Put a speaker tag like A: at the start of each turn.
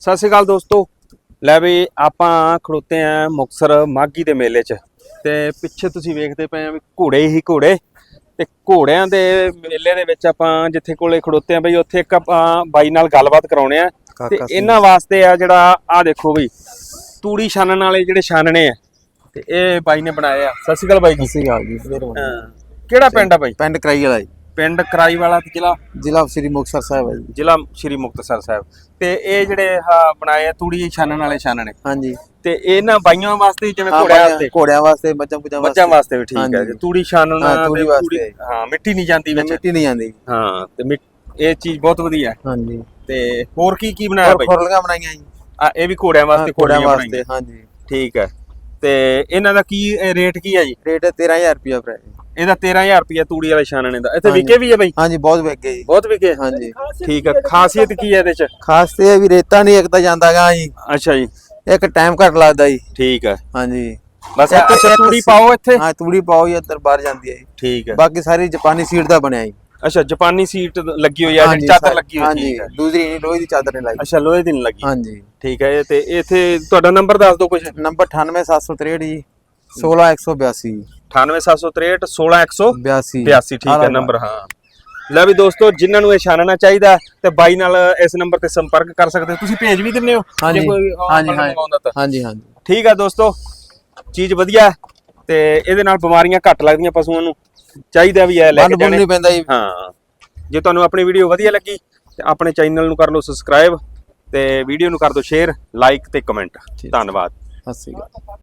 A: ਸਤਿ ਸ਼੍ਰੀ ਅਕਾਲ ਦੋਸਤੋ। ਲੈ ਵੀ ਆਪਾਂ ਖੜੋਤੇ ਆ ਮੁਕਤਸਰ ਮਾਘੀ ਦੇ ਮੇਲੇ 'ਚ ਤੇ ਪਿੱਛੇ ਤੁਸੀਂ ਵੇਖਦੇ ਪਏ ਆ ਵੀ ਘੋੜੇ ਹੀ ਘੋੜੇ ਤੇ ਘੋੜਿਆਂ ਦੇ ਮੇਲੇ ਦੇ ਵਿੱਚ ਆਪਾਂ ਜਿੱਥੇ ਕੋਲੇ ਖੜੋਤੇ ਆ ਬਈ ਉੱਥੇ ਇੱਕ ਆਪਾਂ ਬਾਈ ਨਾਲ ਗੱਲਬਾਤ ਕਰਾਉਣੇ ਆ ਤੇ ਇਹਨਾਂ ਵਾਸਤੇ ਆ ਜਿਹੜਾ ਆ ਦੇਖੋ ਬਈ ਤੂੜੀ ਛਾਨਣ ਵਾਲੇ ਜਿਹੜੇ ਛਾਨਣੇ ਆ ਤੇ ਇਹ ਬਾਈ ਨੇ ਬਣਾਏ ਆ। ਸਤਿ ਸ਼੍ਰੀ ਅਕਾਲ ਬਾਈ ਜੀ।
B: ਸਤਿ ਸ਼੍ਰੀ ਅਕਾਲ ਜੀ।
A: ਕਿਹੜਾ ਪਿੰਡ ਆ ਬਾਈ?
B: ਪਿੰਡ ਕਰਾਈ ਵਾਲਾ ਜੀ।
A: ਪਿੰਡ ਕਰਾਈ ਵਾਲਾ ਤੇ
B: ਜ਼ਿਲ੍ਹਾ ਸ੍ਰੀ ਮੁਕਤਸਰ ਸਾਹਿਬ ਹੈ ਜੀ।
A: ਜ਼ਿਲ੍ਹਾ ਸ੍ਰੀ ਮੁਕਤਸਰ ਸਾਹਿਬ। ਤੇ ਇਹ ਜਿਹੜੇ ਬਣਾਏ ਆ ਤੂੜੀ ਛਾਨਣ ਵਾਲੇ ਛਾਨਣੇ
B: ਹਾਂਜੀ
A: ਤੇ ਇਹਨਾਂ ਬਾਈਆਂ ਵਾਸਤੇ ਜਿਵੇਂ ਘੋੜਿਆਂ ਵਾਸਤੇ
B: ਮੱਝਾਂ
A: ਵਾਸਤੇ ਵੀ ਠੀਕ ਹੈ। ਤੂੜੀ ਛਾਨਣਾ
B: ਤੂੜੀ ਵਾਸਤੇ
A: ਹਾਂ ਮਿੱਟੀ ਨਹੀਂ ਜਾਂਦੀ ਵਿੱਚ,
B: ਮਿੱਟੀ ਨਹੀਂ ਜਾਂਦੀ
A: ਹਾਂ ਤੇ ਇਹ ਚੀਜ਼ ਬਹੁਤ ਵਧੀਆ ਹੈ।
B: ਹਾਂਜੀ
A: ਤੇ ਹੋਰ ਕੀ ਬਣਾਇਆ ਬਾਈ?
B: ਖੁਰਲੀਆਂ ਬਣਾਈਆਂ ਜੀ।
A: ਇਹ ਵੀ ਘੋੜਿਆਂ ਵਾਸਤੇ
B: ਵਾਸਤੇ ਹਾਂਜੀ
A: ਠੀਕ ਹੈ। ਤੇ ਇਹਨਾਂ ਦਾ ਕੀ ਰੇਟ ਕੀ ਹੈ ਜੀ?
B: ਰੇਟ 13000 ਰੁਪਿਆ ਭਰਾ।
A: ਇਹਦਾ 13000 ਰੁਪਿਆ ਤੂੜੀ ਵਾਲੇ ਛਾਨਣੇ ਦਾ। ਇੱਥੇ ਵਿਕੇ ਵੀ ਹੈ ਬਾਈ?
B: ਹਾਂਜੀ ਬਹੁਤ ਵਿਕੇ ਜੀ।
A: ਬਹੁਤ ਵਿਕੇ
B: ਹਾਂਜੀ
A: ਠੀਕ ਹੈ। ਖਾਸੀਅਤ ਕੀ ਹੈ ਇਹਦੇ ਚ?
B: ਖਾਸ ਤੇ ਇਹ ਵੀ ਰੇਤਾ ਨਹੀਂ ਇੱਕ ਤਾਂ ਜਾਂਦਾਗਾ ਜੀ।
A: ਅੱਛਾ ਜੀ।
B: ਇੱਕ ਟਾਈਮ ਘੱਟ ਲੱਗਦਾ ਜੀ।
A: ਠੀਕ ਹੈ
B: ਹਾਂਜੀ
A: ਬਸ ਇੱਕ ਤੂੜੀ ਪਾਓ ਇੱਥੇ।
B: ਹਾਂ ਤੂੜੀ ਪਾਓ ਜੀ ਅੰਦਰ ਬਾਹਰ ਜਾਂਦੀ ਹੈ ਜੀ।
A: ਠੀਕ ਹੈ।
B: ਬਾਕੀ ਸਾਰੀ ਜਾਪਾਨੀ ਸੀਟ ਦਾ ਬਣਿਆ ਜੀ।
A: ਅੱਛਾ ਜਾਪਾਨੀ ਸੀਟ ਲੱਗੀ ਹੋਈ ਹੈ, ਜਿਹੜੀ ਚਾਦਰ ਲੱਗੀ ਹੋਈ
B: ਠੀਕ ਹੈ। ਦੂਸਰੀ ਨਹੀਂ ਲੋਹੇ ਦੀ ਚਾਦਰ ਨਹੀਂ ਲਾਈ।
A: ਅੱਛਾ ਲੋਹੇ ਦੀ ਨਹੀਂ ਲੱਗੀ।
B: ਹਾਂਜੀ
A: ਠੀਕ ਹੈ। ਤੇ ਇੱਥੇ ਤੁਹਾਡਾ ਨੰਬਰ ਦੱਸ ਦਿਓ ਕੁਝ।
B: ਨੰਬਰ 98763 ਜੀ 16182
A: 98763 16182
B: 82
A: ਠੀਕ ਹੈ ਨੰਬਰ। ਹਾਂ ਲੈ ਵੀ ਦੋਸਤੋ ਜਿਨ੍ਹਾਂ ਨੂੰ ਇਹ ਛਾਨਣਾ ਚਾਹੀਦਾ ਤੇ ਬਾਈ ਨਾਲ ਇਸ ਨੰਬਰ ਤੇ ਸੰਪਰਕ ਕਰ ਸਕਦੇ ਹੋ। ਤੁਸੀਂ ਭੇਜ ਵੀ ਦਿੰਦੇ ਹੋ
B: ਜੇ ਕੋਈ
A: ਮੰਗਵਾਉਂਦਾ ਤਾਂ?
B: ਹਾਂਜੀ ਹਾਂਜੀ
A: ਠੀਕ ਹੈ ਦੋਸਤੋ, ਚੀਜ਼ ਵਧੀਆ ਤੇ ਇਹਦੇ ਨਾਲ ਬਿਮਾਰੀਆਂ ਘੱਟ ਲੱਗਦੀਆਂ ਪਸ਼ੂਆਂ ਨੂੰ। ਚਾਹੀਦਾ ਵੀ ਹੈ ਲੈ ਕੇ ਜਾਣੇ।
B: ਨਹੀਂ ਪੈਂਦਾ ਜੀ।
A: ਹਾਂ ਜੇ ਤੁਹਾਨੂੰ ਆਪਣੀ ਵੀਡੀਓ ਵਧੀਆ ਲੱਗੀ ਤੇ ਆਪਣੇ ਚੈਨਲ ਨੂੰ ਕਰ ਲਓ ਸਬਸਕ੍ਰਾਈਬ ਤੇ ਵੀਡੀਓ ਨੂੰ ਕਰ ਦਿਓ ਸ਼ੇਅਰ, ਲਾਈਕ ਤੇ ਕਮੈਂਟ। ਧੰਨਵਾਦ।
B: ਸਤਿ ਸ਼੍ਰੀ ਅਕਾਲ।